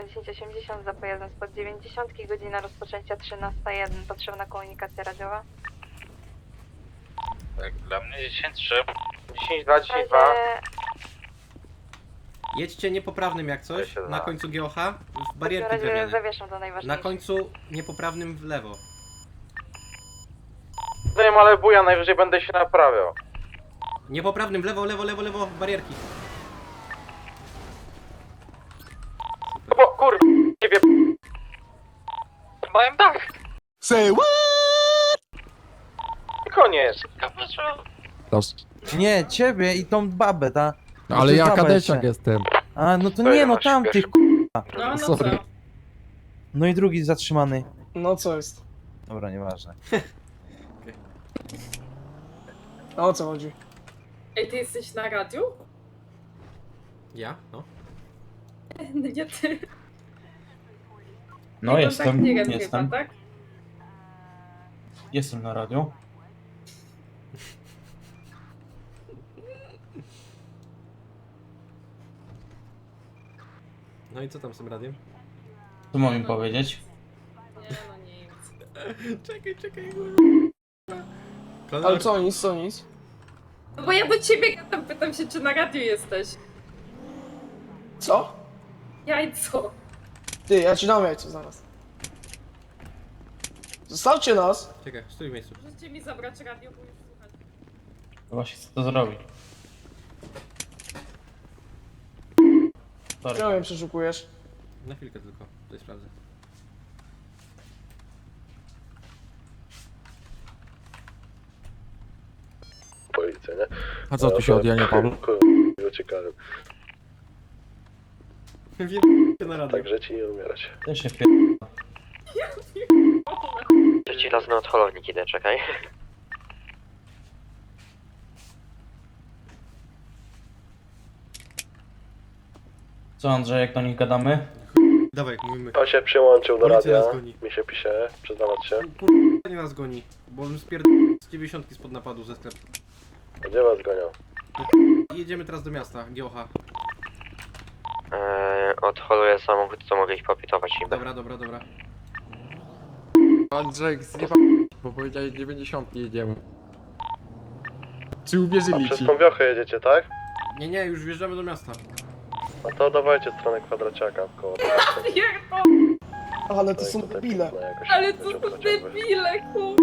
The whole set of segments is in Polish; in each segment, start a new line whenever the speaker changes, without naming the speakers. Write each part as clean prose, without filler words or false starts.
1080 za pojazdem spod 90, godzina rozpoczęcia 13:01. Potrzebna komunikacja radiowa.
Tak, dla mnie 10-3.
10-2-10-2.
Jedźcie niepoprawnym jak coś, na końcu GOH, w barierki
razie
drewniane.
zawieszam to
Na
najważniejsze.
końcu niepoprawnym w lewo.
Wiem, ale buja, najwyżej będę się naprawiał.
Niepoprawnym w lewo, lewo, lewo, lewo, barierki.
O kurwa, ciebie.
Mają dach!
Say what?
Koniec.
Nie, ciebie i tą babę, ta.
No, ale
to
ja
baba
kadeciak
jeszcze.
jestem.
A, no to nie, no tamtych
No
Sorry.
co?
No i drugi zatrzymany.
No co jest?
Dobra, nieważne.
A o co chodzi?
Ej, ty jesteś na radiu?
Ja? No.
Nie ty.
No
Nie,
jestem,
tak nie
jestem.
chyba, tak?
Jestem na radio.
No i co tam z tym radiem?
Co mam im powiedzieć?
Nie, no nic.
Czekaj,
Ale co nic, co nic?
No bo ja do ciebie gadam, pytam się, czy na radiu jesteś.
Co?
Jajco.
Ty, ja ci dam jajco zaraz. Zostawcie nas!
Czekaj, stój w miejscu.
Możecie mi zabrać radio, bo już słuchać.
Właśnie chcę to zrobić. Sorry.
Czemu mnie przeszukujesz?
Na chwilkę tylko, tutaj sprawdzę.
Policja, nie?
A co tu się odjania, Paweł?
Uciekałem.
Wiem na radio.
Tak żyć i nie umierać.
Też się pier...
Trzeci raz na odholownik idę, czekaj.
Co Andrzej, jak do nich gadamy?
Dawaj, mówimy.
On się przyłączył do
Policja
radia.
nas goni.
Mi się pisze, przyznawać się.
Kurwa, nie nas goni, bo bym z 90 spod napadu ze sklepu.
Gdzie was gonią?
I jedziemy teraz do miasta, GOH.
Odholuję samochód, co mogę ich popitować im.
Dobra.
Andrzej, zjeba... bo powiedziałeś 90 jedziemy. Czy uwierzyli
Przez
ci?
tą wiochę jedziecie, tak?
Nie, już wjeżdżamy do miasta.
No to dawajcie stronę kwadraciaka koło.
Pierdol,
Ale to są debile.
ale to są debile, kur...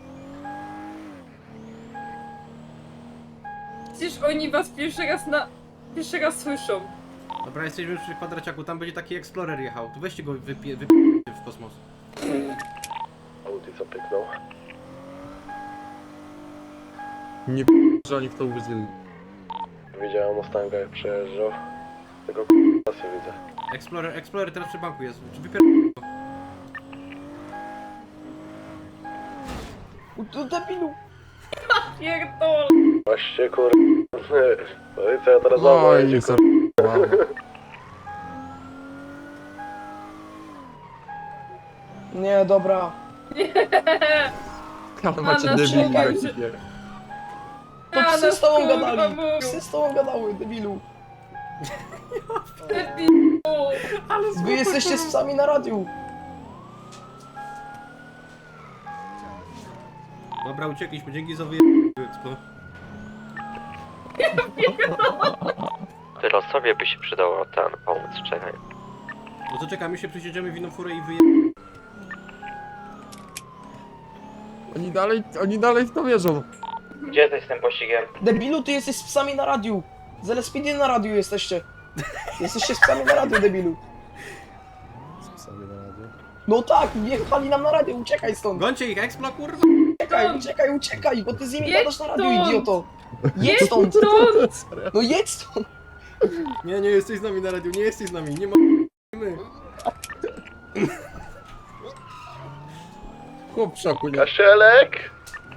Przecież oni was pierwszy raz słyszą.
Dobra, jesteśmy przy kwadraciaku, tam będzie taki Explorer jechał. To weźcie go w kosmos.
Audi co pyknął.
Nie że oni w to uwierzyli.
Widziałem Mustanga jak przejeżdżał. Tylko pasy widzę.
Explorer teraz przy banku jest. Czy
To debilu!
Pierdol.
Właśnie kur... Policja teraz
No
znowu
i
jedzie,
co?
Nie, dobra.
Ale macie
na
debili.
czekaj,
właściwie.
To
A,
psy
no
z tobą
kurwa,
gadali!
mówił.
Psy z tobą gadały, debilu!
Debilu.
Wy jesteście z psami na radiu!
Dobra, uciekliśmy, dzięki za Expo.
Tyle sobie by się przydało pomóc, czekaj.
No to czekamy się, przesiedzimy w inną furę i
Oni dalej w to wierzą.
Gdzie jesteś z tym pościgiem?
Debilu, ty jesteś z psami na radiu! Z LSPD na radiu jesteście! Jesteście z psami na radiu, debilu! No tak, wjechali nam na radio, uciekaj stąd!
Gońcie ich, Explo, kurwa!
Uciekaj, bo ty z nimi
Jedź
gadasz na radiu,
stąd!
idioto! Jedź stąd!
Stąd.
No jedź stąd!
Nie jesteś z nami na radiu, nie jesteś z nami, nie ma... My.
Chłop w szoku, nie?
Kasielek!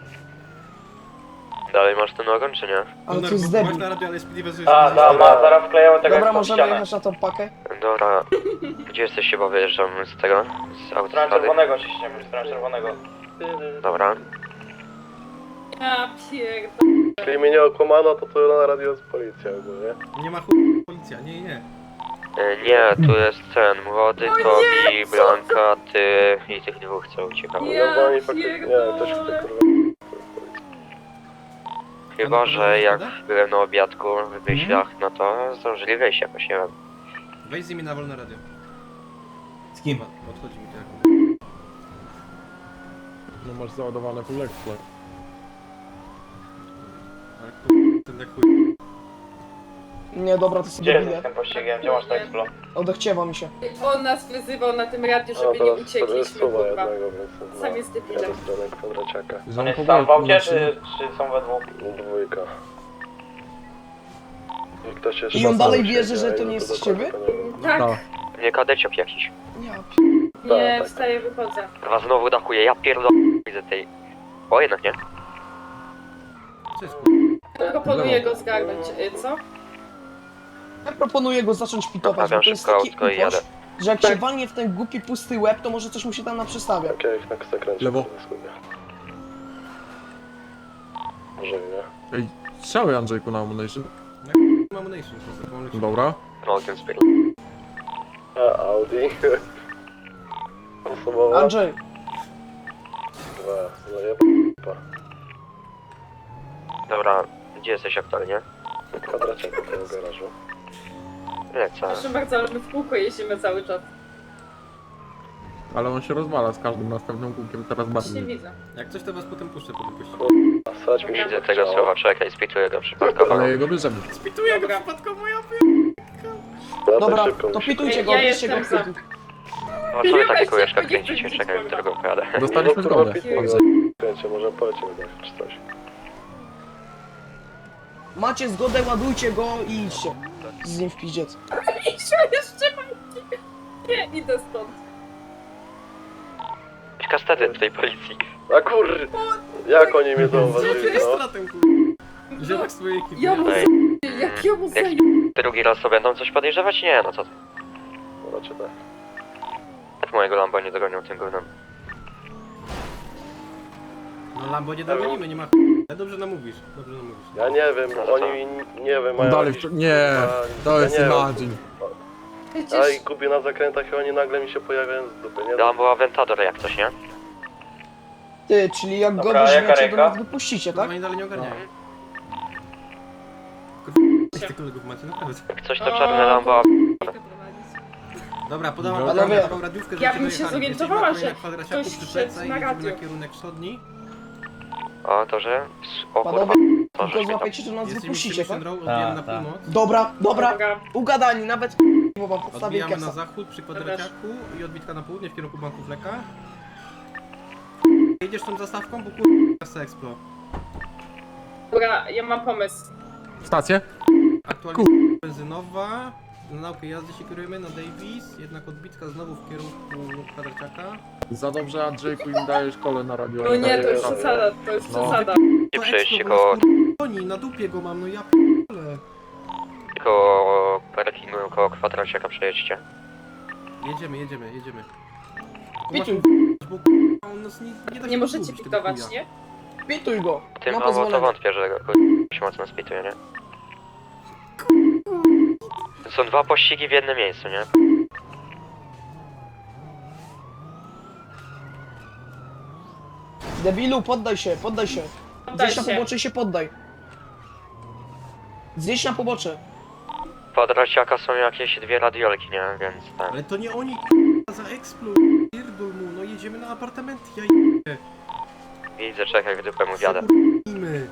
Dalej masz ten ogon, czy nie?
Ale to jest
Masz
debil.
na radio, ale SPD bez...
zaraz wklejamy
Dobra, możemy jechać na tą pakę?
Dobra. Gdzie jesteś chyba wyjeżdżam z tego? Z autostrady? Ciśniemy, stronę czerwonego. Dobra.
Ja pierdol.
Jeśli mnie nie okłamano, to tu na radio jest policja ogólnie.
Nie ma policja, nie.
Nie, tu jest ten młody, Tobi, Blanka, ty i tych dwóch, co uciekało.
Ja
No bo oni faktycznie, nie, ktoś chce kurwa.
Chyba, że jak byłem na obiadku w
Mhm.
myślach, no to zdążyli wejść jakoś, nie wiem.
Weź z nimi na wolne radio.
Z kim?
Odchodzi mi to jako.
No masz załadowane full explore.
Ale ten jak chuj.
Nie, dobra, to sobie bile.
pościgiem? Gdzie masz to Explo?
Odechciewa mi się.
On nas wyzywał na tym radiu,
No
żeby nie
teraz sobie
uciekliśmy,
suwa
kurwa.
jednego, więc
Sam jest debilem.
jadę w stronę kwadraciaka.
Że on powoli-
czy są we dwóch?
Dwójka. I ktoś jeszcze
I on
sam
dalej
siedzi,
wierzy, że
a
to
ile
nie
to
jesteście
dokładnie,
wy?
to nie wiem.
Tak,
Tak.
Nie, kadeciok jakiś.
Ja
nie,
tak.
wstaję, wychodzę.
Chyba znowu dachuje, ja pierdolę widzę tej... O, jednak nie.
Co jest chuj?
Proponuję go zgarnąć, co?
Ja proponuję go zacząć pitować, bo
Naprawiam
to jest
szybko
taki
autko i jadę.
upoś, że jak się walnie w ten głupi pusty łeb, to może coś mu się tam naprzestawia.
Okej, na zakręcie.
Lewo.
Zgubię. Może nie.
Ej, strzały Andrzejku na ammunition.
Mam nation, po prostu mam
Dobra.
Morgan Spirit.
A, Audi. Osobowa.
Andrzej,
Dwa. Zajeb...
Dobra, gdzie jesteś aktualnie?
Kwadraciaka w tym garażu.
Lecę.
Proszę bardzo, ale my w kółko jeździmy cały czas.
Ale on się rozwala z każdym następnym kółkiem coraz
Nie
bardziej.
widzę.
Jak coś to was potem puszczę po tym pościgu.
A sać mi się
Widzę tego
chciało.
słowa, czekaj, spituję go przypadkowo.
Ale jego bierzemy.
Spituję
Dobra.
przypadkowo, ja
Ja
dobra,
tak szybko
to
muszę-
pitujcie go,
Ja
bierzcie go
jestem
w
za.
pitu.
No co wy
Ja
takie
weź
kółeczka
się, nie chcę
kręcicie?
widzieć,
Czekaj,
kurwa.
którego pojadę.
Dostaliśmy
No, kurwa,
zgodę.
pitujcie.
Andrzej.
Kręcie, może polecimy dać czy coś.
Macie zgodę, ładujcie go i idźcie. Z nim w pizdziec.
Jeszcze mam. Nie, idę stąd.
Kastety w tej policji.
A kur... Jak oni mnie zauważyli, no?
Stratem kur... Zierak swojej ekipy.
Ja mu
Ej,
jak ja mu
jak
zaję...
drugi raz to będą coś podejrzewać? Nie, no co ty.
No, raczej tak.
Jak mojego Lamba nie dogonią tym gównem.
No Lambo nie dogonimy, nie ma chuj. Ale dobrze namówisz, dobrze namówisz.
Ja nie wiem,
No to co?
oni nie wiem,
On
mają
dalej...
jakiś,
Nie, to jest
ja nie wiem.
imagine.
Ja i
Przecież...
gubię na zakrętach i oni nagle mi się pojawiają z dupy, nie?
Lambo Aventador jak coś, nie?
Ty, czyli jak go
Dobra, jaka
weźmiecie, to
ręka?
nas wypuścicie,
Tak?
tak?
Oni dalej nie ogarniają.
Mhm.
Kurwa, tych kolegów macie, naprawdę.
Jak coś to czarne Lambo...
Dobra, podałam
Panowie,
taką radiówkę,
ja
żebyście
bym się
dojechali.
zorientowała,
Jesteśmy
że
na kwadraciaku
ktoś
przy
szedł
Pece i
na
jedziemy
radio.
na kierunek wschodni.
O, to że... O kurwa,
Panowie,
to
tylko
żeś mnie tam...
złapiecie, to nas
Jesteśmy
wypuścicie,
Mission
tak?
Row, odbijamy na
Tak, tak.
północ.
Dobra, dobra,
Dobra.
ugadani, nawet bo wam podstawię
Odbijamy na
kesa.
zachód przy kwadraciaku i odbitka na południe w kierunku banku Fleka. Jedziesz tą zastawką, bo kurwa Explo.
Dobra, ja mam pomysł.
Stację?
Aktualnie benzynowa. Na naukę jazdy się kierujemy na Davis, jednak odbitka znowu w kierunku kwadraciaka.
Za dobrze Andrzejku im dajesz kole na radio.
No nie, to już
Dobra.
przesada, to już
No.
przesada.
Nie przejeźdźcie
bo nas,
koło...
kurwa, goni, na dupie go mam, no ja p***le.
koło parkingu, koło kwadraciaka przejedźcie.
Jedziemy. Tylko
Pituj,
masz- bo kurwa, on nas nie da się
Nie możecie
zgubić, tego
pitować,
chuja.
nie?
pituj go.
Tym
Ma
mało to
pozwolenie.
wątpię, że go się mocno spituje, nie? Są dwa pościgi w jednym miejscu, nie?
Debilu, poddaj się, poddaj się.
Poddaj
Zjedź na
się.
pobocze i się poddaj. Zjedź na pobocze.
Kwadraciaka są jakieś dwie radiolki, nie? Więc tak.
Ale to nie oni kurwa, za Explo, pierdol mu, no jedziemy na apartament, ja je...
Widzę, czekaj, w dupę mu wiadę.
Zakurwimy.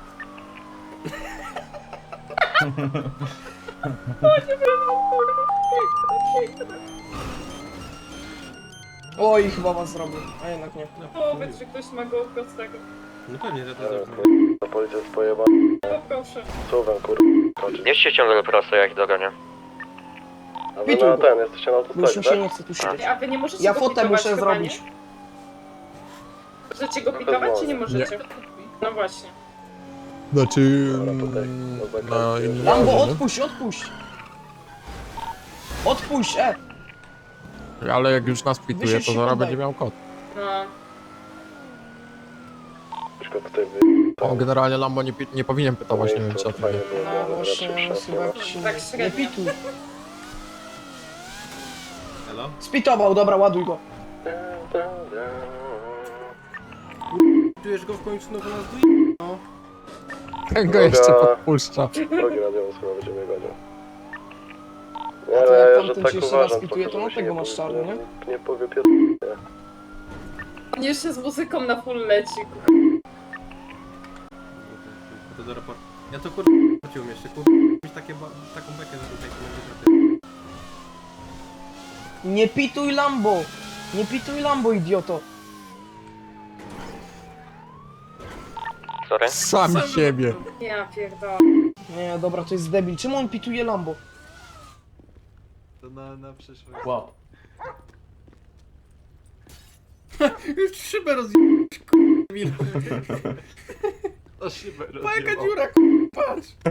Oj, chyba was zrobił, a jednak nie.
Powiedz, że ktoś ma go prostego.
No pewnie, że to
Nie wiem,
dobrze.
kur... Ta policja jest pojebana.
No proszę.
Suwem, kur... kończy.
Nie się ciągle prosto, jak dogonię.
A wy
Pituj
na
go.
ten, jesteście na
Bo już mi
autostradzie,
się
tak?
nie chce tu siedzieć.
A wy nie możecie
Ja
go
fotę
pitować
muszę
chyba,
zrobić.
nie? Możecie go pitować, czy nie możecie? No właśnie.
Znaczy...
Dobra, tutaj,
mm,
na zakręcie.
na innym
Lambo,
razie, nie?
odpuść, odpuść. Odpuść,
Ale jak już nas pituje,
Wysiedź
to
się
zaraz
poddaj.
będzie miał kod.
No.
Tylko tutaj
On generalnie Lambo nie powinien pytować, nie wiem czy o tym wie.
No właśnie, chyba ci
Tak
nie
średnio.
pituj. Spitował, dobra, ładuj go.
Czujesz go w końcu, no bo nas no.
Ten go jeszcze podpuszcza.
Drogi radiowy chyba będzie mnie gonił.
A to jak
że
tamten
tak
ci jeszcze raz
uważam,
pituje, to
tylko
no
żeby się
tego
nie
masz
powie-
czarny, nie?
Nie powie pier...
On jeszcze z muzyką na full leci.
To do raportu. Ja to kurwa płaciłem jeszcze, kurwa. Mieć taką bekę, że tutaj to będzie
Nie pituj Lambo! Nie pituj Lambo, idioto!
Sorry?
Sami siebie.
Ja pierdolę.
Nie, dobra, to jest debil. Czemu on pituje Lambo?
To na przyszłość.
Wow.
Już szybę rozjebałeś, kurwa.
To szybę
Pa jaka dziura, kurwa, patrz.